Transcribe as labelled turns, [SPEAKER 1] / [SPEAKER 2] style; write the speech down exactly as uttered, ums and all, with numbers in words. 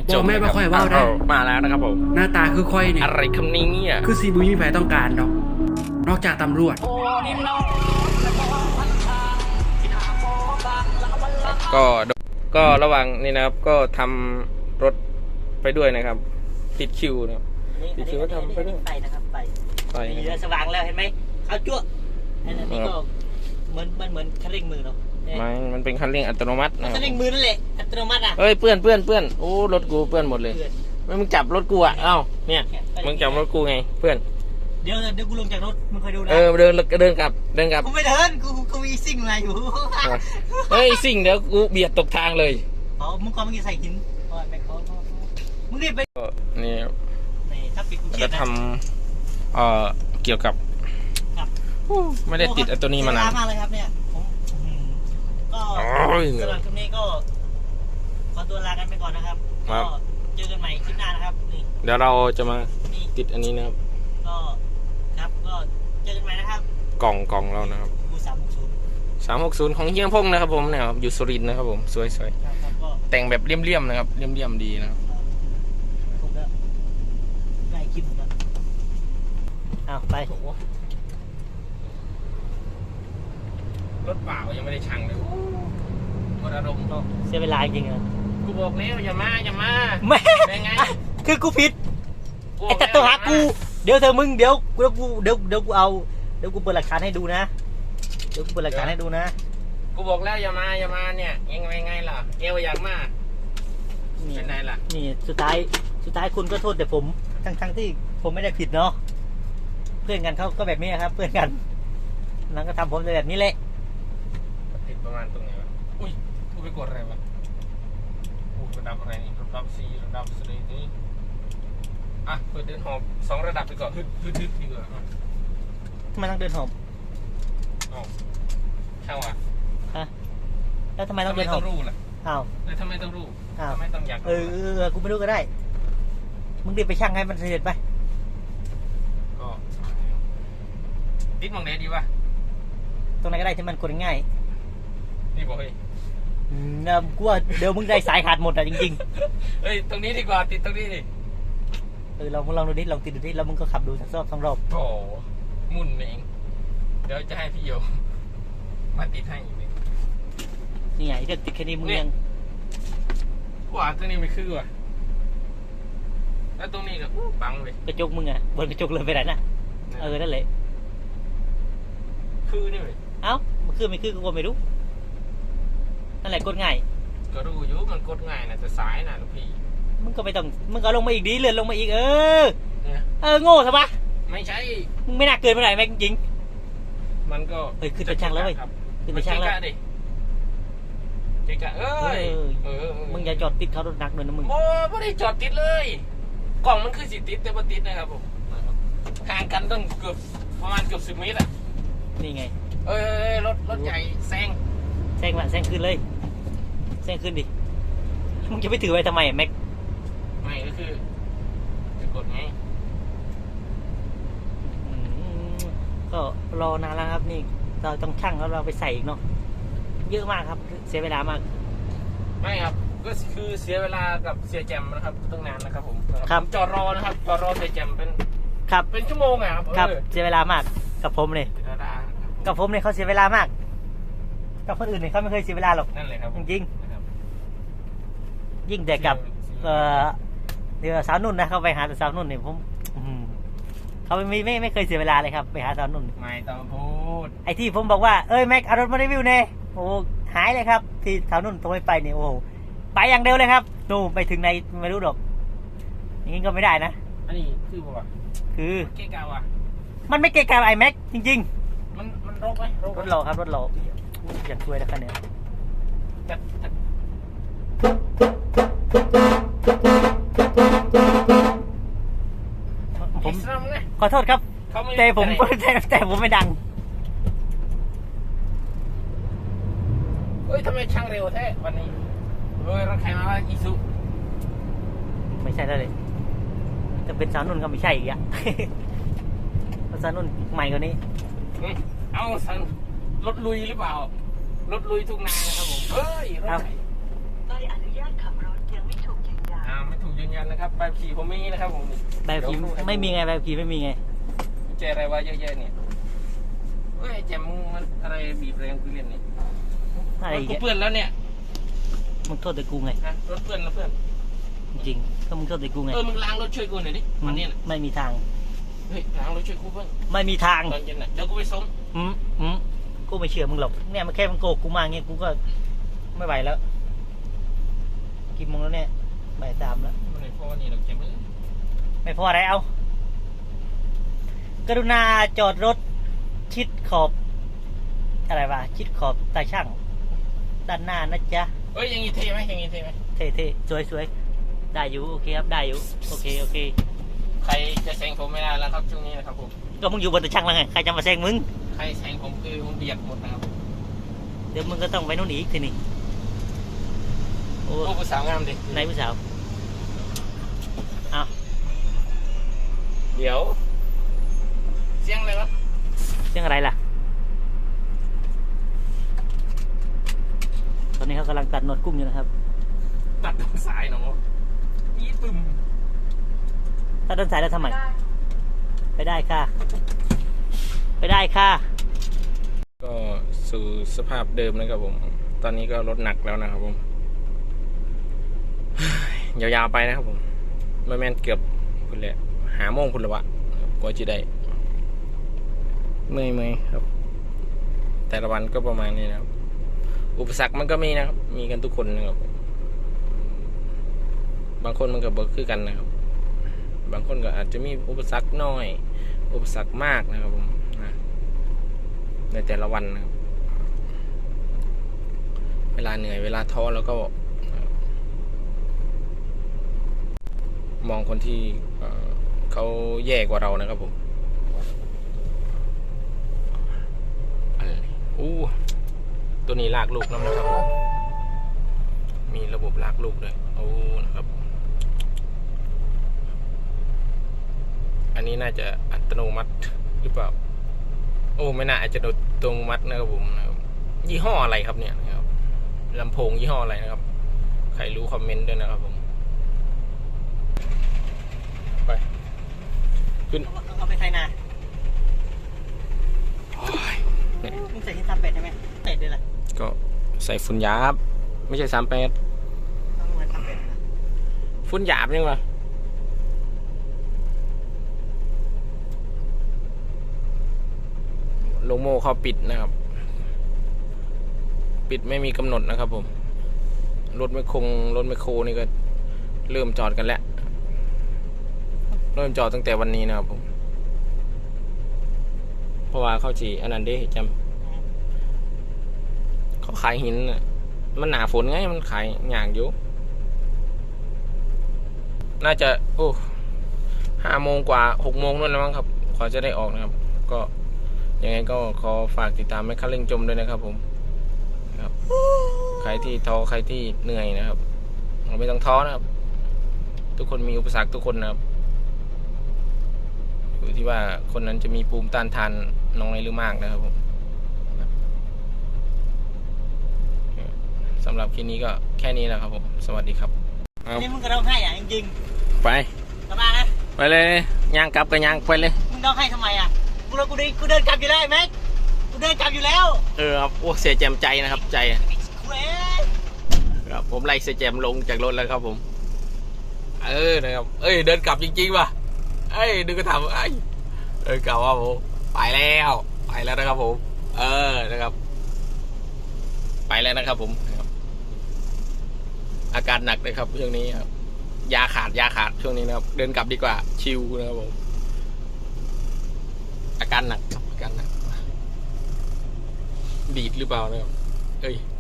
[SPEAKER 1] จบแม่บ่ค่อยว่าได้
[SPEAKER 2] มาแล้วนะครับผม
[SPEAKER 1] หน้าตาคือค่อยนี่
[SPEAKER 2] อะไรคำนี้เนี่ย
[SPEAKER 1] คือซีบุยมีแผลต้องการดอกนอกจากตำรวจ
[SPEAKER 2] ก็ก็ระหว่างนี้นะครับก็ทำรถไปด้วยนะครับติดคิวนะครับติดคิวก็ทำไปด้วย
[SPEAKER 3] ไปนะครับไป
[SPEAKER 2] ไป
[SPEAKER 3] มีเรือสว่างแล้วเห็นไหมเขาจั่วอันนี้ก็เหมือนมันเหมือนคันเร่งมือเนาะ
[SPEAKER 2] มันมันเป็นคันเร่งอัตโนมัติ
[SPEAKER 3] คันเร่งมือนั่นแหละอัตโนมัติอ่ะ
[SPEAKER 2] เฮ้ยเปื้อนเปื้อนเปื้อนโอ้รถกูเปื้อนหมดเลยไม่มึงจับรถกูอ่ะเอ้าเนี่ยมึงจับรถกูไงเพื่อน
[SPEAKER 3] เดี๋ยวเดี๋ยวกูลงจากรถมึงคอยดูนะ
[SPEAKER 2] เออเดินเดินกลับเดินกลับ
[SPEAKER 3] กูไม่เดินกูกูมีสิ่งอะไรอยู่
[SPEAKER 2] เฮ้ยสิ่งเดี๋ยวกูเบียดตกทางเลย
[SPEAKER 3] อ๋อมึงก็มึงจะใส่หินแม่เขามึงรีบไป
[SPEAKER 2] นี่
[SPEAKER 3] ถ้าปิดกูเขียน
[SPEAKER 2] จะทำเอ่อเกี่ยวกับไม่ได้ติดไอ้ตัวนี้มานาน
[SPEAKER 3] มากเลยครับเนี่ยผมก็สำหรับคลิปนี้ก็ขอตัวลากันไปก่อนนะครับก็เจอกันใหม่คลิปหน้านะครับนี่
[SPEAKER 2] เดี๋ยวเราจะมาติดอันนี้นะครับ
[SPEAKER 3] ก็ครับก็เจอกันใหม่นะครับ
[SPEAKER 2] กล่องกล่องเรานะครับ
[SPEAKER 3] สามหกศูนย์
[SPEAKER 2] สามหกศูนย์ของเฮียงพงนะครับผมเนี่ยอยู่สุรินทร์นะครับผมสวยๆแต่งแบบเลี่ยมๆนะครับเลี่ยมๆดีนะครับ
[SPEAKER 3] ได้คลิปแล้วอ้าวไป
[SPEAKER 2] รถเปล่ายังไม่ได้ชั่งเลยหมดอารมณ์เนาะ
[SPEAKER 3] เสียเวลาจริงอ่ะ
[SPEAKER 2] กูบอกแล้วอย่ามาอย่ามา
[SPEAKER 3] แม่ไงคือกูผิดไอ้แต่ตัวหากูเดี๋ยวเธอมึงเดี๋ยวกูเดี๋ยวกูเดี๋ยวเดี๋ยวกูเอาเดี๋ยวกูเปิดหลักฐานให้ดูนะเดี๋ยวกูเปิดหลักฐานให้ดูนะ
[SPEAKER 2] กูบอกแล้วอย่ามาอย่ามาเนี่ยยังไงไงล่ะเอวอยากมาเป็นไงล่ะ
[SPEAKER 3] นี่สุดท้ายสุดท้ายคุณก็โทษแต่ผมทั้งทั้งที่ผมไม่ได้ผิดเนาะเพื่อนกันเขาก็แบบนี้ครับเพื่อนกันนั่นก็ทำผมแบบนี้แหละ
[SPEAKER 2] ติดประมาณตรงไหนวะอุ้ยกูไปกดอะไรวะกูระดับอะไรนี่ระดับซีระดับสลีนี่อ่ะเปิดเดินหอบสองระดับไปก่อนฮึดฮึดฮึดดีกว่า
[SPEAKER 3] ทำไมต้องเดินหอบ
[SPEAKER 2] อ๋อช่างวะ
[SPEAKER 3] ฮะแล้วทำไมต้องเดินหอบ
[SPEAKER 2] รู้ล่ะ
[SPEAKER 3] อ้าว
[SPEAKER 2] แล้วทำไมต้องรู้ทำไมต้องอยาก
[SPEAKER 3] เออกูไม่รู้ก็ได้มึงรีบไปช่างให้มันเสร็จไป
[SPEAKER 2] ก็ติดมองไหนดีวะ
[SPEAKER 3] ตรงไหนก็ได้ที่มันกดง่าย
[SPEAKER 2] นี่บอกเฮ้ย
[SPEAKER 3] เออกูว่าเดี๋ยวมึงได้สายขาดหมดอ่ะจริง
[SPEAKER 2] ๆเฮ้ยตรงนี้ดีกว่าติดตรงนี้ดิ
[SPEAKER 3] เออลองลองดูดิลองติดดูดิแล้วมึงก็ขับดูสักรอบสองรอบ
[SPEAKER 2] โอ้มุ่นเองเดี๋ยวจะให้พี่โยมาติดให้อีก
[SPEAKER 3] นี่ไงเดี๋ยวติดแค่นี้มึงยัง
[SPEAKER 2] ว่าตรงนี้ไม่คือว่ะแล้วตรงนี้ก็บังเลย
[SPEAKER 3] กระจกมึงอ่ะบนกระจกเลยไปไหนน่ะเออนั่นแหละ
[SPEAKER 2] คือนี่เลย
[SPEAKER 3] เอ้ามันคือไม่คือกูก็ไม่รู้นั่นแหละกดง่าย
[SPEAKER 2] ก็รู้อยู่มันกดง่ายนะแต่สายนะลูกพี่
[SPEAKER 3] มึงก็ไม่ต้องมึงก็ลงมาอีกดิเลื่อนลงมาอีกเออเออโง่ใช่ปะ
[SPEAKER 2] ไม่ใช่
[SPEAKER 3] มึงไม่น่าเกินไปไหนแม่งจริง
[SPEAKER 2] มันก็
[SPEAKER 3] เฮ้ยขึ้นไปช่างแล้วเว้ยขึ้นไปช่างแล้ว
[SPEAKER 2] เจ๊กะเอ้ย
[SPEAKER 3] มึงอย่าจอดติดเขารถนักเลยนะมึง
[SPEAKER 2] โอ้ไม่ได้จอดติดเลยกล่องมันคือสิติดแต่ว่าติดนะครับผมห่างกันต้องเกือบประมาณเกือบสิบเมตรอ่ะ
[SPEAKER 3] นี่ไง
[SPEAKER 2] เอ้ยรถรถใหญ่แซง
[SPEAKER 3] แซงละแซงขึ้นเลยแซงขึ้นดิมึงจะไปถือไว้ทำไมแม็ก
[SPEAKER 2] ไม่ก็คือจะกดไง
[SPEAKER 3] ก็รอนานแล้วครับนี่เราต้องชั่งแล้วเราไปใส่อีกเนาะเยอะมากครับเสียเวลามาก
[SPEAKER 2] ไม่ครับก็คือเสียเวลากับเสียแจมนะครับตั้งนานนะครับผม
[SPEAKER 3] ครับ
[SPEAKER 2] จอดรอนะครับจอดรอเสียแจมเป็น
[SPEAKER 3] ครับ
[SPEAKER 2] เป็นชั่วโมงอ่ะ
[SPEAKER 3] ครับเสียเวลามากกับผมเลยกับผมเนี่ยเขาเสียเวลามากกับคนอื่นเนี่ยเขาไม่เคยเสียเวลาหรอก
[SPEAKER 2] นั่นเลยครับ
[SPEAKER 3] จริงๆยิ่งแต่กับเอ่อเดี๋ยวสาวนุ่นนะเขาไปหาแต่สาวนุ่นเนี่ยผมเขาไม่ไม่ไม่เคยเสียเวลาเลยครับไปหาสาวนุ่น
[SPEAKER 2] ไม่ต้องพูด
[SPEAKER 3] ไอ้ที่ผมบอกว่าเอ้ยแม็กเอารถมารีวิวเน่โอ้หายเลยครับที่สาวนุ่นโทรไปเนี่ยโอ้ไปอย่างเดียวเลยครับนู่ไปถึงในไม่รู้หรอกอย่างนี้ก็ไม่ได้นะ
[SPEAKER 2] อันนี้คือบอกว่า
[SPEAKER 3] คือ
[SPEAKER 2] เกะกะว่ะ
[SPEAKER 3] มันไม่เกะกะไอ้แม็กจริง
[SPEAKER 2] ๆมันมันรกไหม
[SPEAKER 3] รถหล่อครับรถหล่ออย่างช่วยนะครับเนี่ยผมขอโทษครับแต่ผมแต่แต่ผมไม่ดัง
[SPEAKER 2] เฮ้ยทำไมช่างเร็วแท้วันนี้เฮ้ยรถใครมาว่าอีซู
[SPEAKER 3] ไม่ใช่แล้วเลยจะเป็นสาวนุ่นก็ไม่ใช่อีกอะสาวนุ่นใหม่กว่านี้
[SPEAKER 2] เอาสันรถลุยหรือเปล่ารถลุยทุกนานะครับผมเฮ้ยรถใบอนุญาตขับรถยังไม่ถูกยืนยันอ่าไม่ถูกนะครับใบขับขี่ผมมีนะครับผม
[SPEAKER 3] ใบขับขี่ไม่มีไงใบขับขี่ไม่มีไง
[SPEAKER 2] เจอะไรวะเยอะแยะเนี่ยเฮ้ยแจมมึงมันอะไรบีบแรงกูเล่นเนี่ย
[SPEAKER 3] อะไร
[SPEAKER 2] รถ
[SPEAKER 3] อีก
[SPEAKER 2] กู
[SPEAKER 3] อะ
[SPEAKER 2] เปื้อนแล้วเนี่ย
[SPEAKER 3] มึงโทษแต่กูไง
[SPEAKER 2] ฮะรถเปื้อนแล้วเพื่อน
[SPEAKER 3] จริงๆก็มึงโทษแต่กูไง
[SPEAKER 2] เออมึงล้างรถช่วยกูหน่อยดิวันนี้น่ะ
[SPEAKER 3] ไม่มีทาง
[SPEAKER 2] เฮ้ยล้างรถช่วยกูเพื่อน
[SPEAKER 3] ไม่มีทาง
[SPEAKER 2] ตอนเย็นน่ะเดี๋ยวกูไปส่ง
[SPEAKER 3] อืมอืมกูไม่เชื่อมึงหรอกเนี่ยมันแค่มันโกหกกูมาเงี้ยกูก็ไม่ไหวแล้วกี่โมงแล้วเนี่ยบ่ายสามแล้ว
[SPEAKER 2] มันไหนพอนี่เราเก็บไว้
[SPEAKER 3] ไม่พออะไรเอากรุณาจอดรถชิดขอบอะไรวะชิดขอบตาช่างด้านหน้านะจ๊ะ
[SPEAKER 2] เอ้ยอย่างงี้เท่ไหมอย่างงี้เท่ไหม
[SPEAKER 3] เท่เท่สวยสวยได้อยู่โอเคครับได้อยู่โอเคโอเค
[SPEAKER 2] ใครจะแซงผมไม่ได้แล้วครับช่วงนี้นะครับผม
[SPEAKER 3] ก็มึงอยู่บนตาช่างแล้วไงใครจะมาแซงมึง
[SPEAKER 2] ใครแซงผมคือผมเบียดหมดนะครับ
[SPEAKER 3] เดี๋ยวมึงก็ต้องไปโน่นอีกทีนี่โอ้
[SPEAKER 2] โอ้ผู้สาวงามดิ
[SPEAKER 3] นายผู้สาวเอา
[SPEAKER 2] เดี๋ยวเสียงอะไรวะ
[SPEAKER 3] เรื่องอะไรล่ะตอนนี้เขากำลังตัดหนวดกุ้งอยู่นะครับ
[SPEAKER 2] ตัดตรงสายเนาะอีปึ้ม
[SPEAKER 3] ตัดต้นสายแล้วทำไมไปได้ค่ะ ไปได้ค่ะ
[SPEAKER 2] ก็สู่สภาพเดิมนะครับผม ตอนนี้ก็ลดหนักแล้วนะครับผม ยาวๆไปนะครับผมไม่แม่นเกือบคุณเลยหาโมงคุณละวะกว่าจะได้เมื่อยเมื่อยครับ แต่ละวันก็ประมาณนี้นะครับ อุปสรรคมันก็มีนะครับ มีกันทุกคนนะครับ บางคนมันก็เบิกคือกันนะครับ บางคนก็อาจจะมีอุปสรรคน้อย อุปสรรคมากนะครับผมนะในแต่ละวันนะครับ เวลาเหนื่อยเวลาท้อแล้วก็มองคนที่เขาแย่กว่าเรานะครับผมอะไรอู้ตัวนี้ลากลูกน้ำนะครับผมมีระบบลากลูกด้วยโอ้นะครับอันนี้น่าจะอัตโนมัติหรือเปล่าโอ้ไม่น่าอาจจะอัตโนมัตินะครับผมนะครับยี่ห้ออะไรครับเนี่ยนะครับลำโพงยี่ห้ออะไรนะครับใครรู้คอมเมนต์ด้วยนะครับผมไปขึ้น
[SPEAKER 3] เอาไปใส่นา
[SPEAKER 2] โอ้ยเนี่ย
[SPEAKER 3] มึงใส่ที่ทำเป็ดใช่ไหมเป็ดด้วยล่ะ
[SPEAKER 2] ก็ใส่ฝุ่นหยาบไม่ใช่สามแปด
[SPEAKER 3] ต้องมาทำเป็ดนะ
[SPEAKER 2] ฝุ่นหยาบยังวะโลโม่เขาปิดนะครับ ปิดไม่มีกำหนดนะครับผมรถไม่คงรถไม่โคนี่ก็เริ่มจอดกันแล้วเริ่มจอดตั้งแต่วันนี้นะครับผมเพราะว่าเขาจีอันนั้นเด้จำเขาขายหินน่ะมันหนาฝนไงมันขายหยางอยู่น่าจะโอ้ห้าโมงกว่าหกโมงนู่นแล้วมั้งครับขอจะได้ออกนะครับก็ยังไงก็ขอฝากติดตามแม่ค้าเล่งจมด้วยนะครับผมครับใครที่ท้อใครที่เหนื่อยนะครับไม่ต้องท้อนะครับทุกคนมีอุปสรรคทุกคนนะครับอยู่ที่ว่าคนนั้นจะมีภูมิต้านทานน้อยหรือมากนะครับผมสำหรับคลิปนี้ก็แค่นี้แหละครับผมสวัสดีครับเอา
[SPEAKER 3] นี่มึงก็ร้องไห้อ่ะจริง
[SPEAKER 2] ไป
[SPEAKER 3] ๆสบายนะ
[SPEAKER 2] ไปเลยย่างกลับก็ย่างไปเลย
[SPEAKER 3] มึงร้องไห้ทำไมอ่ะกูเรากูเดินกูเดินกลับอยู่แล้วไอ้แม็กกูเดินกลับอยู่แล้ว
[SPEAKER 2] เออครับโอ้เสียแจมใจนะครับใจ
[SPEAKER 3] เว้ย
[SPEAKER 2] ครับผมไล่เสียแจมลงจากรถแล้วครับผมเออนะครับเอ้ยเดินกลับจริงๆว่ะเอ้ยดึงกระถางเอ้ยเดินกลับว่าผมไปแล้วไปแล้วนะครับผมเออนะครับไปแล้วนะครับผมนะครับอาการหนักเลยครับช่วงนี้ครับยาขาดยาขาดช่วงนี้นะครับเดินกลับดีกว่าชิลนะครับผมอาการหนักครับอาการหนักดีดหรือเปล่านะครับเอ้ย